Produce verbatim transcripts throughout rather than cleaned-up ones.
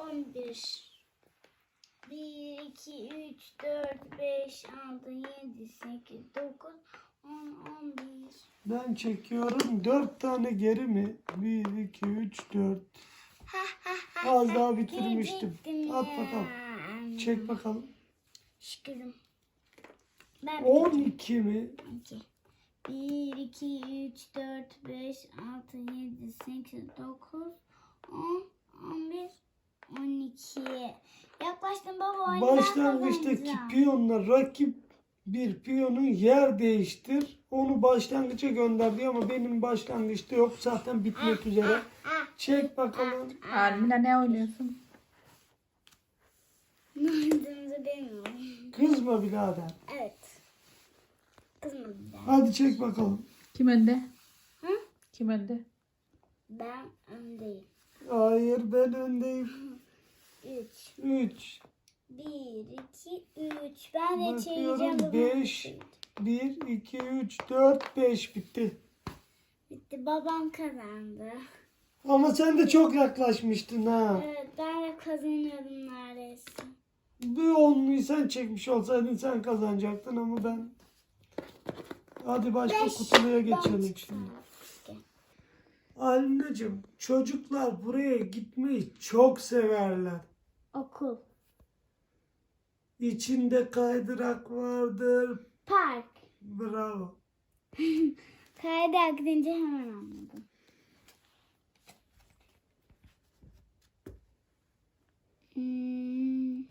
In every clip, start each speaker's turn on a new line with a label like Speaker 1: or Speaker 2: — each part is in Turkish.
Speaker 1: on bir. bir, iki, üç, dört, beş, altı, yedi, sekiz, dokuz, on, on bir.
Speaker 2: Ben çekiyorum. dört tane geri mi? bir, iki, üç, dört. Az daha bitirmiştim.
Speaker 1: Geciktim
Speaker 2: At
Speaker 1: ya.
Speaker 2: bakalım. Çek bakalım.
Speaker 1: Şükürüm. Ben
Speaker 2: on iki mi?
Speaker 1: iki. bir, iki, üç, dört, beş, altı, yedi, sekiz, dokuz, on, on bir, on iki. Yaklaştım baba. oyunu ben
Speaker 2: Başlangıçtaki
Speaker 1: kazanacağım.
Speaker 2: piyonla rakip bir piyonun yer değiştir. Onu başlangıça gönder diyor ama benim başlangıçta yok. Zaten bitmek üzere. Çek bakalım.
Speaker 3: Almina ne oynuyorsun?
Speaker 1: Ne olduğumuzu bilmiyorum.
Speaker 2: Kızma birader.
Speaker 1: Evet. Kızmadım ben.
Speaker 2: Hadi çek bakalım.
Speaker 3: Kim önde?
Speaker 1: Hı?
Speaker 3: Kim önde?
Speaker 1: Ben öndeyim.
Speaker 2: Hayır, ben öndeyim.
Speaker 1: üç.
Speaker 2: üç.
Speaker 1: bir, iki, üç. Ben de
Speaker 2: Bakıyorum,
Speaker 1: çevireceğim. babam
Speaker 2: beş.
Speaker 1: çevirecek.
Speaker 2: bir, iki, üç, dört, beş bitti.
Speaker 1: Bitti. Babam kazandı.
Speaker 2: Ama sen de çok yaklaşmıştın ha.
Speaker 1: Evet, ben de kazanıyordum neredeyse.
Speaker 2: Bir onluyu sen çekmiş olsaydın sen kazanacaktın ama ben... Hadi başka
Speaker 1: Beş.
Speaker 2: kutuya
Speaker 1: Ben
Speaker 2: geçelim
Speaker 1: çıktım.
Speaker 2: şimdi. Alinacığım, çocuklar buraya gitmeyi çok severler.
Speaker 1: Okul.
Speaker 2: İçinde kaydırak vardır.
Speaker 1: Park.
Speaker 2: Bravo.
Speaker 1: Kaydırak deyince hemen anladım. Hmm.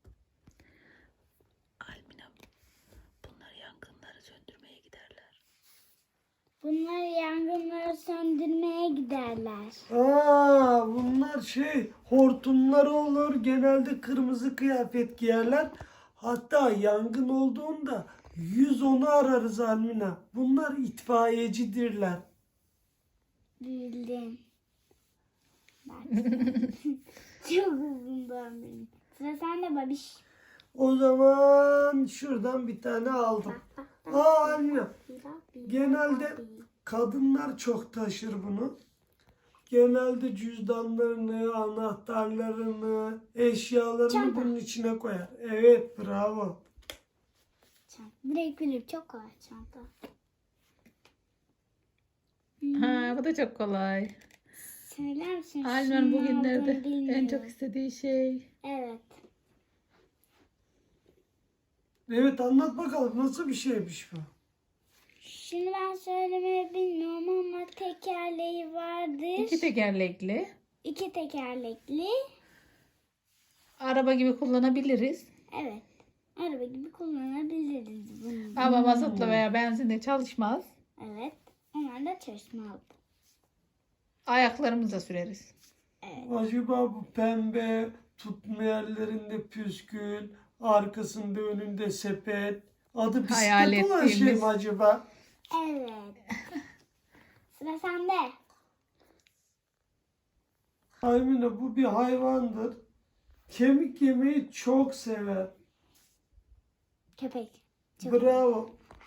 Speaker 3: Almina, bunlar yangınları söndürmeye giderler.
Speaker 1: Bunlar yangınları söndürmeye giderler.
Speaker 2: Aa, bunlar şey hortumları olur. Genelde kırmızı kıyafet giyerler. Hatta yangın olduğunda yüz onu ararız Almina. Bunlar itfaiyecidirler.
Speaker 1: Bildim. Bak. Çok uzundan benim. Sıra sende babiş.
Speaker 2: O zaman şuradan bir tane aldım. Aa Almina, genelde kadınlar çok taşır bunu. Genelde cüzdanlarını, anahtarlarını, eşyalarını
Speaker 1: Çanta.
Speaker 2: bunun içine koyar. Evet, bravo.
Speaker 1: Direkt bilip çok kolay çanta.
Speaker 3: Ha, bu da çok kolay.
Speaker 1: Söyler misin?
Speaker 3: Almina'nın
Speaker 1: Şunun
Speaker 3: bugünlerde
Speaker 1: olduğunu bilmiyorum.
Speaker 3: en çok istediği şey.
Speaker 1: Evet.
Speaker 2: Evet, anlat bakalım nasıl bir şeymiş bu?
Speaker 1: Şimdi ben söylemeyi bilmiyorum ama tekerleği vardır.
Speaker 3: İki tekerlekli.
Speaker 1: İki tekerlekli.
Speaker 3: Araba gibi kullanabiliriz.
Speaker 1: Evet. Araba gibi kullanabiliriz bunu.
Speaker 3: Ama mazotla veya benzinle çalışmaz.
Speaker 1: Evet. Onlar da çalışmalı.
Speaker 3: Ayaklarımızla süreriz.
Speaker 1: Evet.
Speaker 2: Acaba bu pembe, tutma yerlerinde püskül, arkasında önünde sepet, adı
Speaker 3: Hayal
Speaker 2: bisiklet olan şey
Speaker 3: ettiğimiz.
Speaker 2: mi acaba?
Speaker 1: Evet. Sıra sende.
Speaker 2: Aymine, bu bir hayvandır. Kemik yemeyi çok sever.
Speaker 1: Köpek. Çok
Speaker 2: Bravo.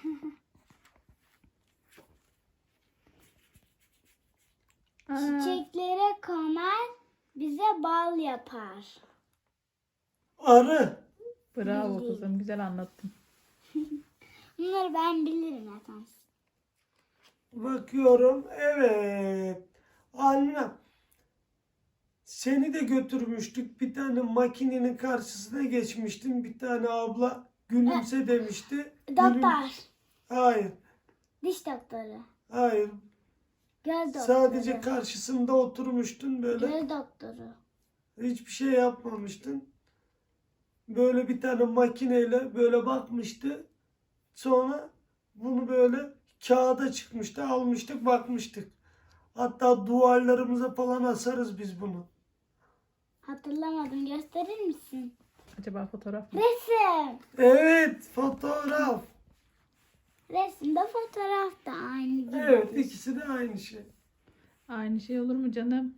Speaker 3: Aa,
Speaker 1: Çiçeklere konar, bize bal yapar.
Speaker 2: Arı.
Speaker 3: bravo
Speaker 1: Bildim.
Speaker 3: kızım, güzel anlattın.
Speaker 1: Bunları ben bilirim zaten.
Speaker 2: Bakıyorum. Evet. Almina, seni de götürmüştük. Bir tane makinenin karşısına geçmiştin. Bir tane abla gülümse demişti. Gülüm-
Speaker 1: Doktor.
Speaker 2: Hayır.
Speaker 1: Diş doktoru.
Speaker 2: Hayır.
Speaker 1: Göz doktoru.
Speaker 2: Sadece karşısında oturmuştun böyle.
Speaker 1: Göz doktoru.
Speaker 2: Hiçbir şey yapmamıştın. Böyle bir tane makineyle böyle bakmıştı. Sonra bunu böyle kağıda çıkmıştı. Almıştık, bakmıştık. Hatta duvarlarımıza falan asarız biz bunu.
Speaker 1: Hatırlamadım. Gösterir misin?
Speaker 3: Acaba fotoğraf mı?
Speaker 1: Resim.
Speaker 2: Evet, fotoğraf.
Speaker 1: Resimde fotoğraf da aynı gibi.
Speaker 2: Evet, ikisi de aynı şey.
Speaker 3: Aynı şey olur mu canım?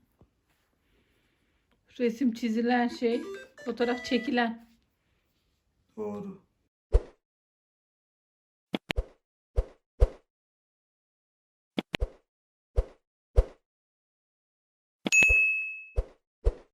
Speaker 3: Resim çizilen şey, fotoğraf çekilen.
Speaker 2: Doğru.